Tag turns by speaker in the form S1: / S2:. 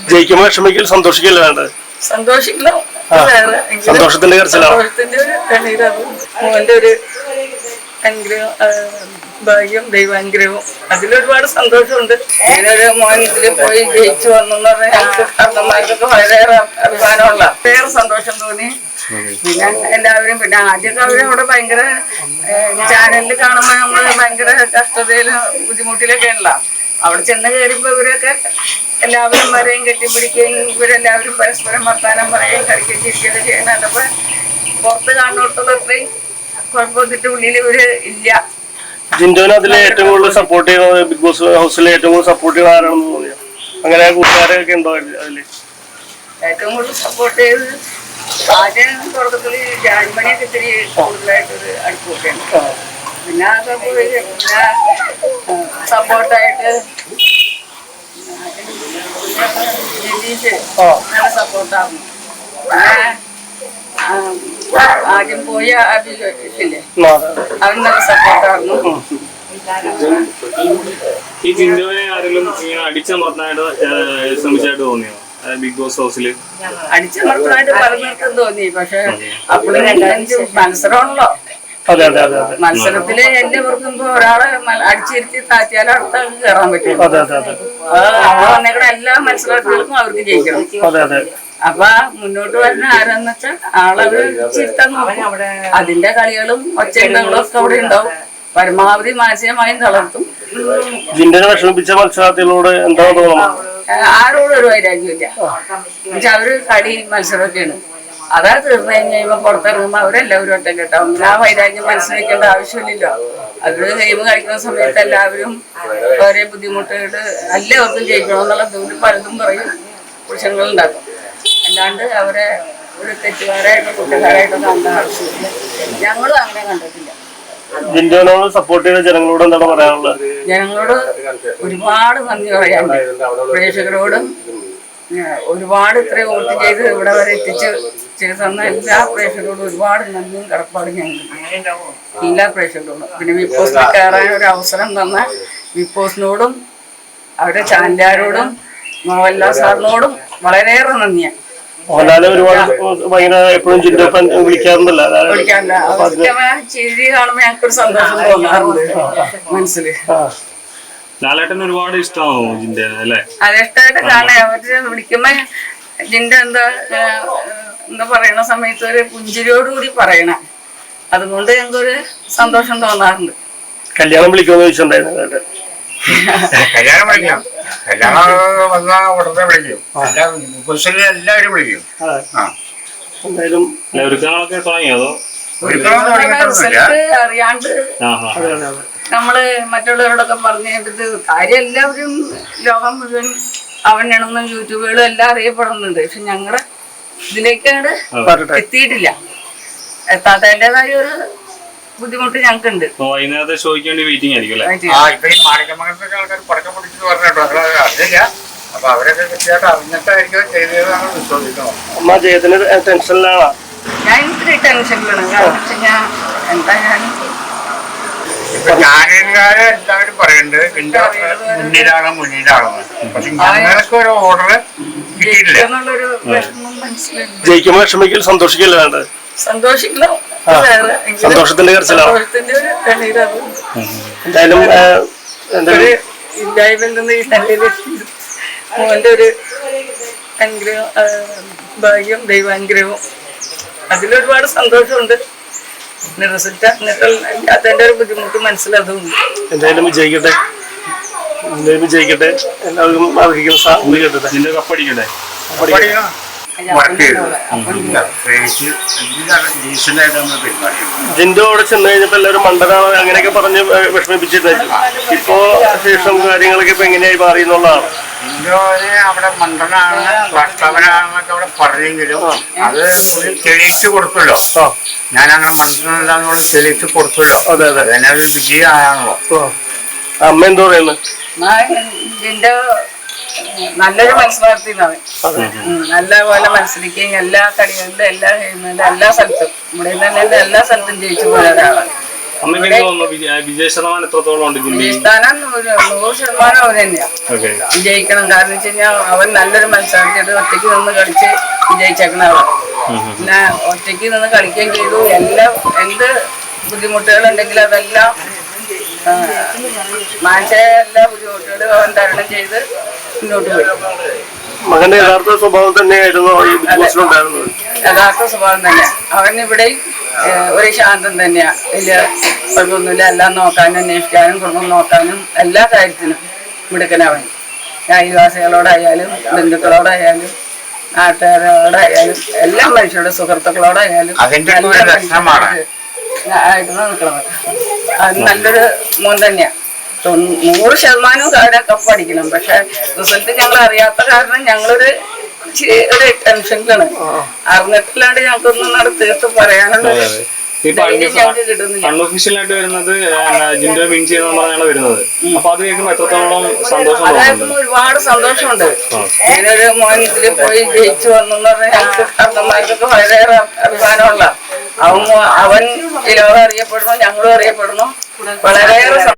S1: ജയിക്കുമ്പോൾ വിഷമിക്കൽ സന്തോഷിക്കല്ലേ വേണ്ടത്?
S2: സന്തോഷിക്കണം,
S1: സന്തോഷത്തിന്റെ കരച്ചിലാണ്.
S2: മോന്റെ ഒരു അനുഗ്രഹം, ഭാഗ്യം, ദൈവാനുഗ്രഹവും അതിലൊരുപാട് സന്തോഷമുണ്ട്. ഇങ്ങനൊരു മോൻ ഇതില് പോയി ജയിച്ചു വന്നു എന്ന് പറഞ്ഞാൽ ഞങ്ങൾക്ക് കാരണന്മാർക്കൊക്കെ വളരെയേറെ അഭിമാനമുള്ള വേറെ സന്തോഷം തോന്നി. പിന്നെ എല്ലാവരും, പിന്നെ ആദ്യമൊക്കെ അവര് അവിടെ ഭയങ്കര ചാനലിൽ കാണുമ്പോൾ നമ്മള് ഭയങ്കര കഷ്ടതയിലും ബുദ്ധിമുട്ടിലൊക്കെ ഉള്ള അവിടെ ചെന്ന് കയറിയപ്പോ ഇവരൊക്കെ എല്ലാവരും വരെയും കെട്ടിപ്പിടിക്കുകയും ഇവരെല്ലാവരും പരസ്പരം വർത്താനം പറയുകയും കളിക്കുകയും ചിരിക്കുകയൊക്കെ ചെയ്യുന്ന കണ്ടപ്പോ പുറത്ത് കാണുന്നിടത്തോളം അത്രയും കുഴപ്പത്തിട്ട് ഉള്ളിൽ ഇവര് ഇല്ല.
S1: ജിൻഡോനെ അതിൽ ഏറ്റവും കൂടുതൽ സപ്പോർട്ട് ചെയ്യുന്നത് ബിഗ് ബോസ് ഹൗസിലെ ഏറ്റവും കൂടുതൽ സപ്പോർട്ട് ചെയ്യുന്ന ആരാണെന്ന് തോന്നിയോ? അങ്ങനെ കൂട്ടുകാരൊക്കെ ഉണ്ടോ അതില്?
S2: ഏറ്റവും കൂടുതൽ സപ്പോർട്ട് ചെയ്ത് ആദ്യം തുടക്കത്തില് ജാൻമണിയൊക്കെ ഇത്തിരി കൂടുതലായിട്ടൊരു അടുപ്പൊക്കെയുണ്ട്. പിന്നെ അതൊക്കെ പോയി പിന്നെ സപ്പോർട്ടായിട്ട് ജലീഷ് നല്ല സപ്പോർട്ടായിരുന്നു. പിന്നെ ആദ്യം പോയ അഭില്ലേ അവൻ നല്ല സപ്പോർട്ടായിരുന്നു.
S3: ഈ ജിൻഡോനെ ആരെങ്കിലും അടിച്ചമർത്താനായിട്ട് ശ്രമിച്ചായിട്ട് തോന്നിയോ ബിഗ് ബോസ് ഹൗസില്?
S2: അടിച്ചമർത്താനായിട്ട് പറഞ്ഞിട്ടും തോന്നി. പക്ഷെ അപ്പോഴും മത്സരമാണല്ലോ. മത്സരത്തില് എല്ലാവർക്കും ഇപ്പൊ ഒരാളെ അടിച്ചിരുത്തി താറ്റിയാലും അടുത്ത ആൾക്ക് കയറാൻ പറ്റും. വന്നേക്കണ എല്ലാ മത്സരത്തിലും അവർക്ക് ജയിക്കണം. അപ്പൊ മുന്നോട്ട് വരുന്ന ആരാന്ന് വെച്ചാൽ ആളവര് ചിരുത്താൻ നോക്കും. അതിന്റെ കളികളും ഒച്ചയുണ്ടകളും ഒക്കെ അവിടെ ഉണ്ടാവും. പരമാവധി മാനസികമായും തളർത്തും.
S1: ജിൻഡോനെ വിഷമിപ്പിച്ച മത്സരാർത്ഥികളോട് എന്താ തോന്നുന്നത്?
S2: ആരോടും ഒരു വൈരാഗ്യമില്ല. എന്നുവെച്ചാൽ അവര് കളി മത്സരമൊക്കെയാണ്. അതാ തീർന്നു കഴിയുമ്പോ പുറത്തിറങ്ങുമ്പോ അവരെല്ലാവരും ഒറ്റ കേട്ടാവും. ആ വൈരാഗ്യം മനസ്സിലാക്കേണ്ട ആവശ്യമില്ലല്ലോ. അവര് ഗെയിം കളിക്കുന്ന സമയത്ത് എല്ലാവരും ഓരോ ബുദ്ധിമുട്ടുകൾ എല്ലാവർക്കും ജയിക്കണമെന്നുള്ള ദൂരം പലതും പറയും, പ്രശ്നങ്ങളുണ്ടാക്കും. അല്ലാണ്ട് അവരെ ഒരു തെറ്റുകാരായിട്ടോ കുറ്റക്കാരായിട്ടോ കണ്ട ആവശ്യമില്ല. ഞങ്ങളും അങ്ങനെ കണ്ടിട്ടില്ല.
S1: ജിൻഡോനോട് സപ്പോർട്ട് ചെയ്ത ജനങ്ങളോട് എന്താണ് പറയാനുള്ളത്?
S2: ജനങ്ങളോട് ഒരുപാട് നന്ദി പറയാനുണ്ട്. പ്രേക്ഷകരോടും ഒരുപാട് ഇത്രയും വോട്ട് ചെയ്ത് ഇവിടെ വരെ ചെയ്ത് തന്ന എല്ലാ പ്രേക്ഷകരോടും ഒരുപാട് നന്ദിയും കടപ്പാടും ഞങ്ങൾക്ക് എല്ലാ പ്രേക്ഷകരോടും. പിന്നെ ബിഗ് ബോസിൽ കയറാൻ ഒരു അവസരം തന്ന ബിഗ് ബോസിനോടും അവരുടെ ചാനലുകാരോടും മോഹൻലാൽ സാറിനോടും വളരെയേറെ നന്ദിയാണ്.
S1: വിളിക്കാറില്ല.
S2: ചിരി കാണുമ്പോ ഞങ്ങൾക്കൊരു സന്തോഷം തോന്നാറുണ്ട് മനസ്സില്.
S3: ലാലേട്ടന് ഒരുപാട് ഇഷ്ടമാണോ ജിൻഡ? അല്ലേ,
S2: അത് ഇഷ്ടമായിട്ട് കാണാൻ അവര് വിളിക്കുമ്പോ ജിൻഡ എന്താ പറയണ സമയത്ത് ഒരു പുഞ്ചിരിയോടുകൂടി പറയണ, അതുകൊണ്ട് ഞങ്ങൾക്കൊരു സന്തോഷം തോന്നാറുണ്ട്.
S1: കല്യാണം വിളിക്കുമെന്ന് ചോദിച്ചിട്ടുണ്ടായിരുന്നു.
S4: കല്യാണം വിളിക്കാം, കല്യാണം വന്നാൽ ഉടനെ വിളിക്കും. എല്ലാവരും വിളിക്കും.
S1: എന്തായാലും
S3: ഒരുക്കങ്ങളൊക്കെ തുടങ്ങിയോ?
S2: അറിയാണ്ട് നമ്മള് മറ്റുള്ളവരോടൊക്കെ പറഞ്ഞത് കാര്യം എല്ലാവരും ലോകം മുഴുവൻ അവനാണെന്നും യൂട്യൂബുകളും എല്ലാം അറിയപ്പെടുന്നുണ്ട്. പക്ഷെ ഞങ്ങളുടെ ഇതിലേക്കാണ് എത്തിയിട്ടില്ല. എത്താത്തതിൻ്റെതായ ഒരു ബുദ്ധിമുട്ട് ഞങ്ങൾക്കുണ്ട്.
S3: വൈകുന്നേരത്തെ ഷോയ്ക്ക് വേണ്ടി വെയിറ്റിംഗ് ആയിരിക്കും.
S4: ആൾക്കാർ പടക്കം പൊടിച്ചിട്ട് പറഞ്ഞിട്ടോ അറിയില്ല. അപ്പൊ അവരൊക്കെ കൃത്യമായിട്ട് അറിഞ്ഞിട്ടായിരിക്കും ചെയ്തതാണ് വിശ്വസിക്കുന്നത്.
S1: അമ്മ ജയത്തിന് ടെൻഷനിലാണോ?
S2: ഞാൻ ഇത്തിരി ടെൻഷനിലാണ്. കാരണം വെച്ച് കഴിഞ്ഞാൽ എന്താ
S4: ഇപ്പൊ ചാനലുകാരെ എല്ലാവരും പറയുന്നുണ്ട് എന്റെ മുന്നിലാണെന്ന്. പക്ഷെ ഞങ്ങൾക്ക് ഒരു ഓർഡർ കിട്ടിയിട്ടില്ല
S2: എന്നുള്ളൊരു വിഷമം മനസ്സിലുണ്ട്.
S1: ജയിക്കുമ്പോൾ വിഷമിക്കൽ സന്തോഷിക്കല്ലേ വേണ്ടത്?
S2: സന്തോഷിക്കണം,
S1: സന്തോഷത്തിന്റെ കരച്ചിലാണ്. എന്തായാലും
S2: ഇല്ലായ്മയിൽ നിന്ന് ഈ നിലയിലെത്തി മോന്റെ ഒരു അനുഗ്രഹം, ഭാഗ്യം, ദൈവാനുഗ്രഹവും അതിലൊരുപാട് സന്തോഷമുണ്ട്. റിസൾട്ട് അതിന്റെ ഒരു ബുദ്ധിമുട്ട് മനസ്സിലതുണ്ട്.
S1: എന്തായാലും വിജയിക്കട്ടെ, വിജയിക്കട്ടെ. എല്ലാവർക്കും അർഹിക്കുന്ന സാധ്യത കിട്ടട്ടെ.
S3: ജിൻഡോ കപ്പടിക്കട്ടെ.
S1: ജിൻഡോ അവിടെ ചെന്ന് കഴിഞ്ഞപ്പോ എല്ലാവരും മണ്ടനാണ് അങ്ങനെയൊക്കെ പറഞ്ഞ് വിഷമിപ്പിച്ചിട്ടായിരുന്നു. ഇപ്പോ ശേഷം കാര്യങ്ങളൊക്കെ ഇപ്പൊ എങ്ങനെയായി മാറി എന്നുള്ളതാണ്.
S4: ജിൻഡോനെ അവിടെ മണ്ടനാണ് ഭർത്താവനാണെന്നൊക്കെ അവിടെ പറഞ്ഞെങ്കിലും അത് തെളിയിച്ചു കൊടുത്തല്ലോ. ഞാനങ്ങനെ മണ്ടനല്ലാന്നുള്ള തെളിയിച്ചു കൊടുത്തല്ലോ. അതന്നെ ഒരു വിജയമാണല്ലോ.
S1: അമ്മ എന്തോ പറയുന്നത്?
S2: ജിൻഡോ നല്ലൊരു മത്സരാർത്ഥിയാണ്. നല്ല പോലെ മത്സരിക്കുകയും എല്ലാ കളികളിലും എല്ലാ ഗെയിമിലും എല്ലാ സ്ഥലത്തും നമ്മുടെ തന്നെ എല്ലാ സ്ഥലത്തും ജയിച്ചു പോയ ഒരാളാണ്.
S3: അമ്മയ്ക്ക് എന്ത് തോന്നുന്നു വിജയ ശതമാനം എത്രത്തോളം ഉണ്ട് ജില്ലയിൽ?
S2: വിജയസ്ഥാനം 100% അവൻ തന്നെയാണ്
S3: ഓക്കെ.
S2: വിജയിക്കണം. കാരണം വെച്ച് കഴിഞ്ഞാൽ അവൻ നല്ലൊരു മത്സരത്തിൽ ഒറ്റയ്ക്ക് നിന്ന് കളിച്ച് വിജയിച്ചേക്കണ അവൻ. പിന്നെ ഒറ്റയ്ക്ക് നിന്ന് കളിക്കുകയും ചെയ്തു. എല്ലാം എന്ത് ബുദ്ധിമുട്ടുകളുണ്ടെങ്കിലും അതെല്ലാം മാനസിക എല്ലാ ബുദ്ധിമുട്ടുകളും അവൻ തരണം ചെയ്ത് മുന്നോട്ട് പോയി.
S1: മകന്റെ യഥാർത്ഥ സ്വഭാവം തന്നെയായിരുന്നു ഈ ബിഗ് ബോസിലുണ്ടായിരുന്നത്.
S2: യഥാർത്ഥ സ്വഭാവം തന്നെ. അവൻ ഇവിടെ ഒരു ശാന്തം തന്നെയാ. വലിയ കുഴപ്പമൊന്നുമില്ല. എല്ലാം നോക്കാനും അന്വേഷിക്കാനും കുടുംബം നോക്കാനും എല്ലാ കാര്യത്തിനും മിടുക്കനവൻ. അയൽവാസികളോടായാലും ബന്ധുക്കളോടായാലും നാട്ടുകാരോടായാലും എല്ലാ മനുഷ്യരുടെ സുഹൃത്തുക്കളോടായാലും ആയിരുന്നു നിൽക്കണത്. അത് നല്ലൊരു മോൻ തന്നെയാ. 100% അവരെ കപ്പ് അടിക്കണം. പക്ഷെ റിസൾട്ട് ഞങ്ങൾ അറിയാത്ത കാരണം ഞങ്ങളൊരു ടെൻഷനിലാണ്. അറിഞ്ഞിട്ടില്ലാണ്ട് ഞങ്ങൾക്കൊന്നും തീർത്ത് പറയാനുള്ള ഞങ്ങൾക്ക് കിട്ടുന്നില്ല.
S3: അൺഒഫീഷ്യലായിട്ട് വരുന്നത് ജിൻഡോ വിൻ ചെയ്യുന്ന പറഞ്ഞാണ് വരുന്നത്. അപ്പൊ അത് കേൾക്കുമ്പോൾ എത്രത്തോളം സന്തോഷം?
S2: അതായത് ഒരുപാട് സന്തോഷമുണ്ട്. ഇങ്ങനൊരു മോൻ ഇതിൽ പോയി ജയിച്ചു വന്നു പറഞ്ഞാൽ ഞങ്ങൾക്ക് അർദ്ധന്മാർക്കൊക്കെ വളരെയേറെ അഭിമാനമുള്ള അവൻ ഈ ലോകം അറിയപ്പെടുന്നു, ഞങ്ങളും അറിയപ്പെടുന്നു. വളരെയേറെ